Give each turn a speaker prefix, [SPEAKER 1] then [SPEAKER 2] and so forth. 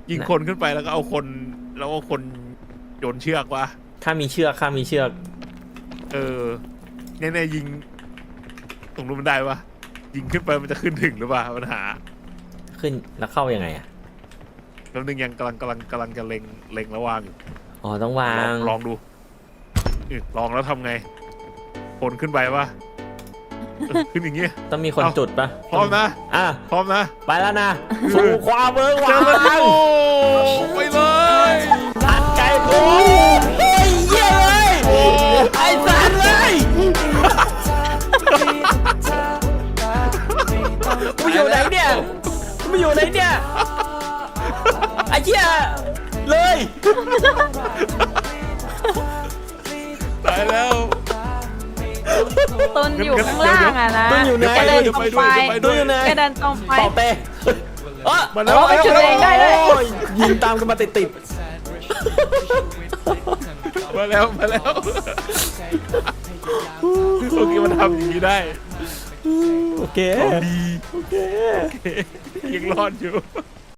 [SPEAKER 1] ยิงคนขึ้นไปแล้วก็เอาคนโยนเชือกวะ
[SPEAKER 2] ข้ามีเชือก
[SPEAKER 1] แน่ๆยิงตรงนู้นมันได้ปะยิงขึ้นไปมันจะขึ้นถึงหรือเปล่าปัญหา
[SPEAKER 2] ขึ้นแล้วเข้ายังไงอ่ะ
[SPEAKER 1] แล้วนึงยังกำลังจะเล็งแล้ววางอยู่
[SPEAKER 2] อ๋อต้องวาง
[SPEAKER 1] ลองดูลองแล้วทำไงคนขึ้นไปปะขึ้นอย่างเงี้ย
[SPEAKER 2] ต้องมีคนจุดปะ
[SPEAKER 1] พร้อมนะ พร้อมนะ
[SPEAKER 2] ไปแล้วนะสู่ความเบิก
[SPEAKER 1] เจ
[SPEAKER 2] บา
[SPEAKER 1] อกัน
[SPEAKER 2] น
[SPEAKER 1] โอ้ไปเลย
[SPEAKER 2] อัดไก่โอ้ยเยี่ยเลยไอ้สัตว์เลยกูอยู่ไหนเนี่ยกูอยู่ไหนเนี่ยไอ้เหี้ยเลย
[SPEAKER 1] ตายแล้ว
[SPEAKER 3] ต้นอยู่ข้างล่างอะนะ
[SPEAKER 2] ต้นอยู่ไหน
[SPEAKER 3] แกเดินตรงไป
[SPEAKER 2] ต้นอยู่ไหน
[SPEAKER 3] แกเดินตรงไป
[SPEAKER 2] เป่าเป้
[SPEAKER 1] มาแล้ว
[SPEAKER 3] ช่วยตัวเองได้ด้วย
[SPEAKER 2] ยิงตามกันมาติด
[SPEAKER 1] มาแล้วโอเคมันทำอย่างนี้ได้
[SPEAKER 2] โอเค
[SPEAKER 1] ดี
[SPEAKER 2] โอเค
[SPEAKER 1] ยังรอดอยู่